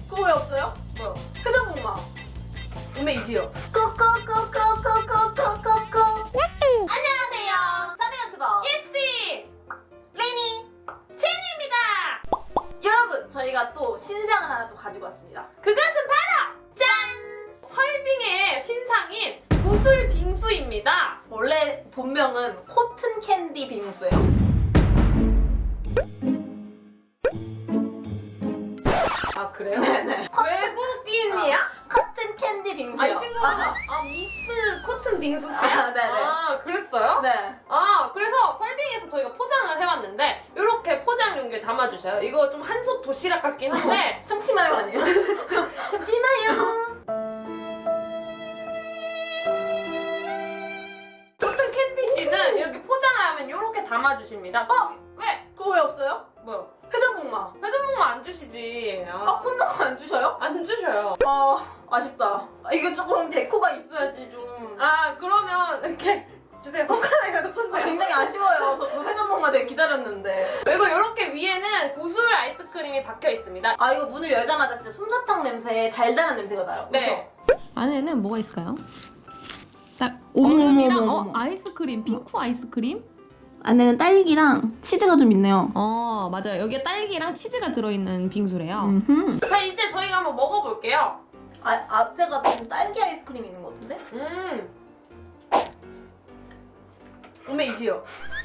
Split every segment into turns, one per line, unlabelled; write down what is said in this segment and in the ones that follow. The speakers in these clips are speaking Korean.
그거 왜 없어요?
뭐요?
회전목마.
오메 이게요.
꼬꼬꼬꼬꼬꼬꼬꼬꼬. 안녕하세요. 사내 유튜버
예스!
레니.
제니입니다!
여러분, 저희가 또 신상을 하나 또 가지고 왔습니다.
그것은 바로 짠! 설빙의 신상인 구슬 빙수입니다.
원래 본명은 코튼 캔디 빙수예요.
아 그래요?
네네.
외국인이야?
코튼 캔디 빙수요.
아, 이 친구가 미스 코튼 빙수세요?
아, 네네.
아, 그랬어요?
네.
아, 그래서 설빙에서 저희가 포장을 해왔는데 이렇게 포장 용기에 담아주셔요. 이거 좀 한솥 도시락 같긴 한데
참치마요 아니에요?
참지마요. 코튼 캔디 씨는 이렇게 포장을 하면 이렇게 담아주십니다. 왜?
그거 왜 없어요?
뭐요?
회전목마.
회전목마 안 주시지.
아, 콘돔 안 주셔요?
안 주셔요.
아, 아쉽다. 이거 조금 데코가 있어야지 좀.
아, 그러면 이렇게 주세요. 손가락에 넣으세요.
굉장히 아쉬워요. 저도 회전목마 되게 기다렸는데.
그리고 이렇게 위에는 구슬 아이스크림이 박혀 있습니다.
아, 이거 문을 열자마자 진짜 솜사탕 냄새, 달달한 냄새가 나요.
네.
안에는 뭐가 있을까요? 딱
어머,
얼음이랑
어머, 어머.
아이스크림, 핑크 아이스크림?
안에는 딸기랑 치즈가 좀 있네요.
맞아요. 여기에 딸기랑 치즈가 들어있는 빙수래요.
자,
자, 이제 저희가 한번 먹어볼게요.
앞에가 좀 딸기 아이스크림 있는 것 같은데?
오메 이게요.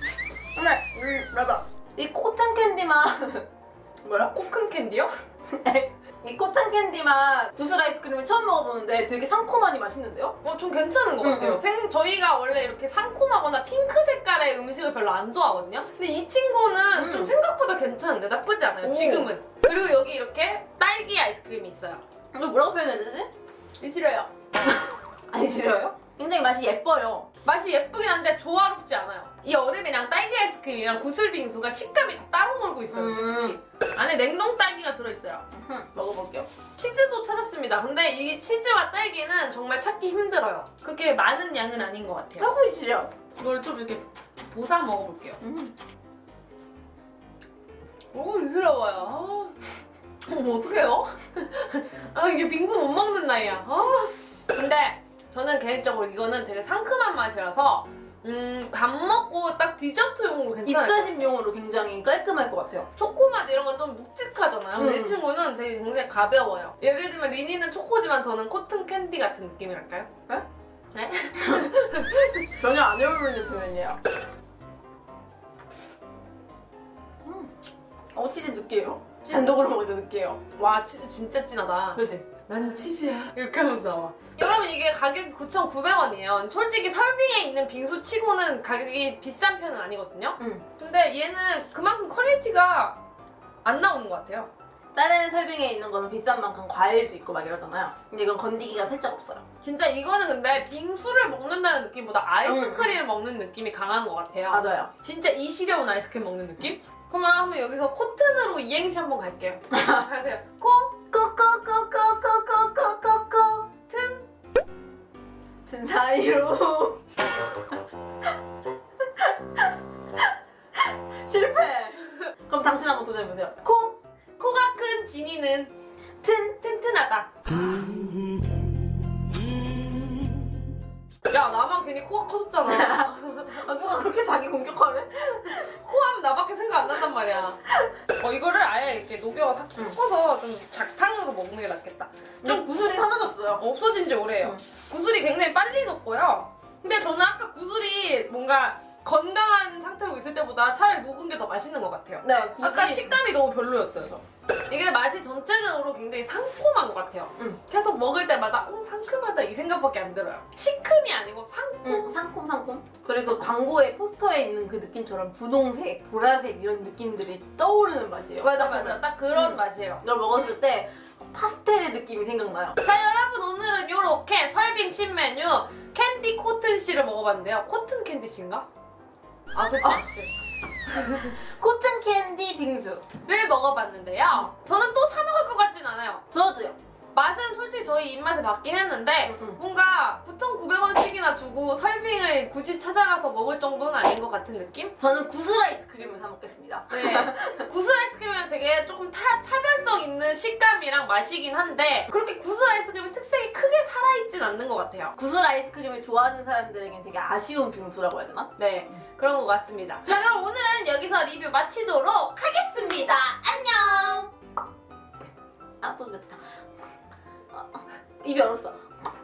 봐봐. 이 코튼 캔디만 뭐야?
코큰 캔디요?
이 코튼 캔디만 구슬 아이스크림을 처음 먹어보는데 되게 상콤하니 맛있는데요?
좀 괜찮은 것 같아요. 저희가 원래 이렇게 상콤하거나 핑크 색깔의 음식을 별로 안 좋아하거든요. 근데 이 친구는 좀 생각보다 괜찮은데 나쁘지 않아요.
오.
지금은. 그리고 여기 이렇게 딸기 아이스크림이 있어요.
이걸 뭐라고 표현해야 되지?
싫어요.
아니, 싫어요? 굉장히 맛이 예뻐요.
맛이 예쁘긴 한데 조화롭지 않아요. 이 얼음이랑 딸기 아이스크림이랑 구슬 빙수가 식감이 다 따로 놀고 있어요, 솔직히. 안에 냉동 딸기가 들어있어요.
먹어볼게요.
치즈도 찾았습니다. 근데 이 치즈와 딸기는 정말 찾기 힘들어요. 그렇게 많은 양은 아닌 것 같아요.
하고 있지요?
이걸 좀 이렇게 보사 먹어볼게요. 오, 부드러워요. 어떡해요? 아, 이게 빙수 못 먹는 나이야. 근데 저는 개인적으로 이거는 되게 상큼한 맛이라서 밥 먹고 딱 디저트용으로 괜찮아요.
입가심용으로 굉장히 깔끔할 것 같아요.
초코맛 이런 건 좀 묵직하잖아요. 근데 이
음.
친구는 되게 굉장히 가벼워요. 예를 들면 리니는 초코지만 저는 코튼 캔디 같은 느낌이랄까요?
네?
네?
전혀 안 어울리는 표현이에요. 치즈 느끼해요. 단독으로 먹어도 느끼해요.
와, 치즈 진짜 진하다.
그지?
난 치즈야. 이렇게 하면서 나와. 여러분, 이게 가격이 9,900원이에요. 솔직히 설빙에 있는 빙수 치고는 가격이 비싼 편은 아니거든요. 근데 얘는 그만큼 퀄리티가 안 나오는 것 같아요.
다른 설빙에 있는 거는 비싼 만큼 과일도 있고 막 이러잖아요. 근데 이건 건디기가 살짝 없어요.
진짜 이거는 근데 빙수를 먹는다는 느낌보다 아이스크림을 먹는 느낌이 강한 것 같아요.
맞아요.
진짜 이시려운 아이스크림 먹는 느낌? 그러면 한번 여기서 코튼으로 이행시 한번 갈게요. 하세요.
꼬꼬꼬꼬꼬꼬꼬꼬꼬 튼 사이로 실패. 그럼 당신 한번 도전해보세요.
코가 큰 지니는 튼튼하다. 야, 나만 괜히 코가 커졌잖아.
누가 그렇게 자기 공격하래?
코 하면 나밖에 생각 안 난단 말이야. 이거를 아예 이렇게 녹여서 섞어서 좀 작탕으로 먹는 게 낫겠다.
좀 구슬이 사라졌어요.
없어진 지 오래예요. 구슬이 굉장히 빨리 녹고요. 근데 저는 아까 구슬이 뭔가 건강한 상태로 있을 때보다 차라리 녹은 게 더 맛있는 것 같아요.
네,
아까 식감이 너무 별로였어요, 저. 이게 맛이 전체적으로 굉장히 상콤한 것 같아요. 계속 먹을 때마다 상큼하다 이 생각밖에 안 들어요. 시큼이 아니고 상콤.
상콤. 그리고 광고에 포스터에 있는 그 느낌처럼 분홍색, 보라색 이런 느낌들이 떠오르는 맛이에요.
맞아. 딱 그런 맛이에요.
이걸 먹었을 때 파스텔의 느낌이 생각나요.
자, 여러분, 오늘은 이렇게 설빙 신메뉴 캔디 코튼 씨를 먹어봤는데요. 코튼 캔디 씨인가? 아, 그치.
코튼 캔디 빙수를
먹어봤는데요. 저는 또 사 먹을 것 같진 않아요.
저도요.
맛은 솔직히 저희 입맛에 맞긴 했는데 뭔가 9,900원씩이나 주고 설빙을 굳이 찾아가서 먹을 정도는 아닌 것 같은 느낌?
저는 구슬 아이스크림을 사 먹겠습니다.
네. 구슬 아이스크림은 되게 조금 차별성 있는 식감이랑 맛이긴 한데 그렇게 구슬 아이스크림의 특색이 크게 살아있진 않는 것 같아요.
구슬 아이스크림을 좋아하는 사람들에겐 되게 아쉬운 빙수라고 해야 되나?
네, 그런 것 같습니다. 자, 그럼 오늘은 여기서 리뷰 마치도록 하겠습니다. 안녕!
아, 또 뱉다. 입이 얼었어.